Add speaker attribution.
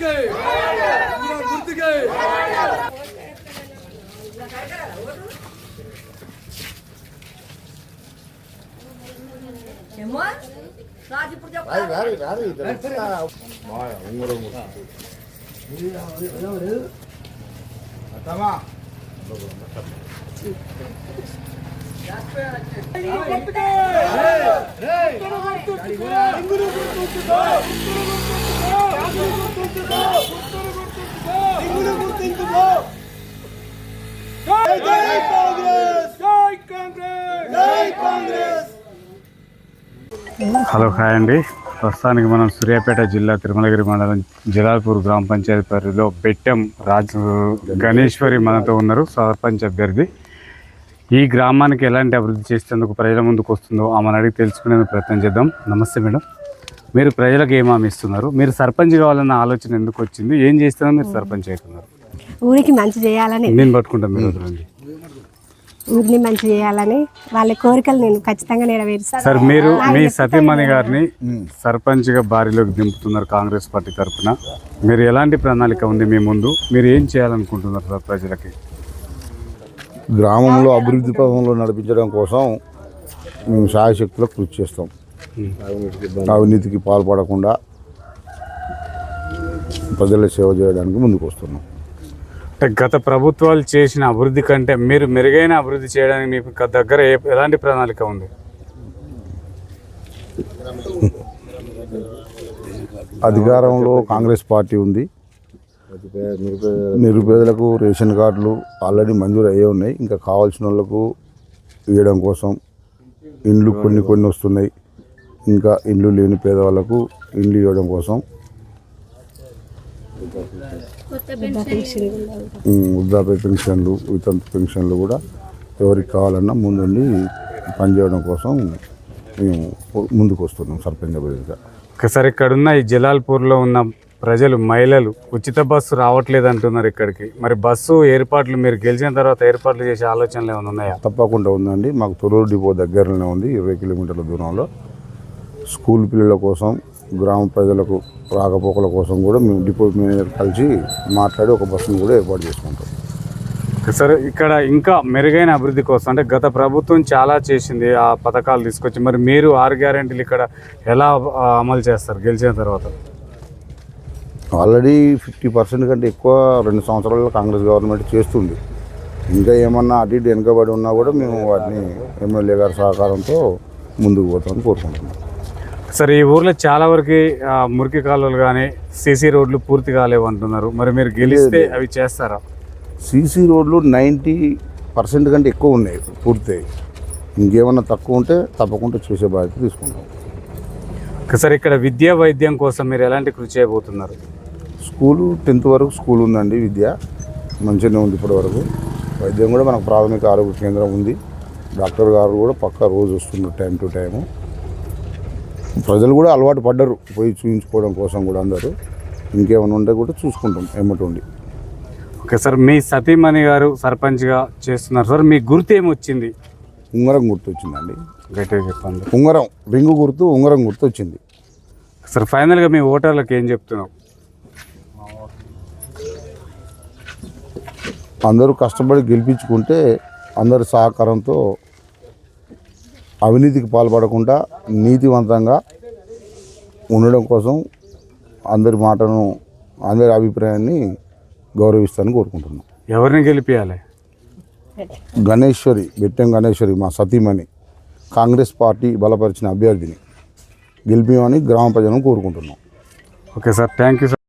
Speaker 1: Hello hi అండి. ప్రస్తుతానికి మనం సూర్యాపేట జిల్లా తిరుమలగిరి మండలం జలాల్పూర్ గ్రామ పంచాయతీ పరిధిలో బెట్టం రాజు గణేశ్వరి మనతో ఉన్నారు, సర్పంచ్ అభ్యర్థి. ఈ గ్రామానికి ఎలాంటి అభివృద్ధి చేసేందుకు ప్రజల ముందుకు వస్తుందో ఆమెను అడిగి తెలుసుకునేందుకు ప్రయత్నం చేద్దాం. నమస్తే మేడం, మీరు ప్రజలకు ఏం హామీ ఇస్తున్నారు? మీరు సర్పంచ్ కావాలన్న ఆలోచన ఎందుకు వచ్చింది? ఏం చేస్తున్నారు మీరు సర్పంచ్ అవుతున్నారు?
Speaker 2: ఊరికి మంచి చేయాలని
Speaker 1: నేను పట్టుకుంటాను. మీరు వదలండి.
Speaker 2: ఊరిని మంచి చేయాలని వాళ్ళ కోరికలు నేను ఖచ్చితంగా నెరవేరుస్తాను.
Speaker 1: సార్, మీరు మీ సతీమణి గారిని సర్పంచ్గా బారిలోకి దింపుతున్నారు కాంగ్రెస్ పార్టీ తరఫున. మీరు ఎలాంటి ప్రణాళిక ఉంది మీ ముందు? మీరు ఏం చేయాలనుకుంటున్నారు సార్ ప్రజలకి?
Speaker 3: గ్రామంలో అభివృద్ధి పథంలో నడిపించడం కోసం మేము శాయశక్తులకు కృషి చేస్తాం. అవినీతికి పాల్పడకుండా ప్రజల సేవ చేయడానికి ముందుకు వస్తున్నాం.
Speaker 1: గత ప్రభుత్వాలు చేసిన అభివృద్ధి కంటే మీరు మెరుగైన అభివృద్ధి చేయడానికి మీకు దగ్గర ఎలాంటి ప్రణాళిక ఉంది?
Speaker 3: అధికారంలో కాంగ్రెస్ పార్టీ ఉంది. నిరుపేదలకు రేషన్ కార్డులు ఆల్రెడీ మంజూరు అయ్యే ఉన్నాయి. ఇంకా కావాల్సిన వాళ్ళకు ఇవ్వడం కోసం ఇండ్లు కొన్ని వస్తున్నాయి. ఇంకా ఇండ్లు లేని పేదవాళ్ళకు ఇండ్లు ఇవ్వడం కోసం వృద్ధాప్య పెన్షన్లు, వితంతు పెన్షన్లు కూడా ఎవరికి కావాలన్నా ముందుండి పనిచేయడం కోసం మేము ముందుకు వస్తున్నాం సర్పంచ్ అభ్యర్థిగా.
Speaker 1: ఒకసారి ఇక్కడున్న ఈ జలాల్పూర్లో ఉన్న ప్రజలు, మహిళలు ఉచిత బస్సు రావట్లేదు అంటున్నారు ఇక్కడికి. మరి బస్సు ఏర్పాట్లు మీరు గెలిచిన తర్వాత ఏర్పాట్లు చేసే ఆలోచనలు ఏమైనా ఉన్నాయా?
Speaker 3: తప్పకుండా ఉందండి. మాకు తొర్రూరు డిపో దగ్గరలోనే ఉంది, 20 కిలోమీటర్ల దూరంలో. స్కూల్ పిల్లల కోసం, గ్రామ ప్రజలకు రాకపోకల కోసం కూడా మేము డిపో మేనేజర్ కలిసి మాట్లాడి ఒక బస్సును కూడా ఏర్పాటు చేసుకుంటాం.
Speaker 1: సరే, ఇక్కడ ఇంకా మెరుగైన అభివృద్ధి కోసం అంటే గత ప్రభుత్వం చాలా చేసింది, ఆ పథకాలు తీసుకొచ్చి, మరి మీరు 6 గ్యారెంటీలు ఇక్కడ ఎలా అమలు చేస్తారు గెలిచిన తర్వాత?
Speaker 3: ఆల్రెడీ 50% కంటే ఎక్కువ 2 సంవత్సరాల్లో కాంగ్రెస్ గవర్నమెంట్ చేస్తుంది. ఇంకా ఏమన్నా అటు ఇటు వెనుకబడి ఉన్నా కూడా మేము వాటిని ఎమ్మెల్యే గారి సహకారంతో ముందుకు పోతామని కోరుకుంటున్నాం.
Speaker 1: సరే, ఈ ఊర్లో చాలా వరకు మురికి కాలువలు కానీ సీసీ రోడ్లు పూర్తి కాలేవు అంటున్నారు. మరి మీరు గెలిస్తే అవి చేస్తారా?
Speaker 3: సీసీ రోడ్లు 90% కంటే ఎక్కువ ఉన్నాయి పూర్తయి. ఇంకేమన్నా తక్కువ ఉంటే తప్పకుండా చేసే బాధ్యత తీసుకుంటాం.
Speaker 1: సరే, ఇక్కడ విద్యా వైద్యం కోసం మీరు ఎలాంటి కృషి చేయబోతున్నారు?
Speaker 3: స్కూలు 10th వరకు స్కూల్ ఉందండి. విద్య మంచిగానే ఉంది ఇప్పటి వరకు. వైద్యం కూడా మనకు ప్రాథమిక ఆరోగ్య కేంద్రం ఉంది. డాక్టర్ గారు కూడా పక్కా రోజు వస్తున్నారు టైం టు టైము. ప్రజలు కూడా అలవాటు పడ్డారు పోయి చూపించుకోవడం కోసం కూడా అందరూ. ఇంకేమైనా ఉంటే కూడా చూసుకుంటాం ఎమ్మటి ఉండి.
Speaker 1: ఓకే సార్, మీ సతీమణి గారు సర్పంచ్గా చేస్తున్నారు సార్. మీ గుర్తు ఏమొచ్చింది?
Speaker 3: ఉంగరం గుర్తు వచ్చిందండి.
Speaker 1: గట్టిగా చెప్పండి.
Speaker 3: ఉంగరం, రింగు గుర్తు, ఉంగరం గుర్తు వచ్చింది
Speaker 1: సార్. ఫైనల్గా మీ ఓటర్లకు ఏం చెప్తున్నావు?
Speaker 3: అందరూ కష్టపడి గెలిపించుకుంటే అందరి సహకారంతో అవినీతికి పాల్పడకుండా నీతివంతంగా ఉండడం కోసం అందరి మాటను, అందరి అభిప్రాయాన్ని గౌరవిస్తానని కోరుకుంటున్నాం.
Speaker 1: ఎవరిని గెలిపించాలి?
Speaker 3: గణేశ్వరి, బెట్టం గణేశ్వరి మా సతీమణి, కాంగ్రెస్ పార్టీ బలపరిచిన అభ్యర్థిని గెలిపించమని గ్రామ ప్రజలను కోరుకుంటున్నాం.
Speaker 1: Okay sir, thank you sir.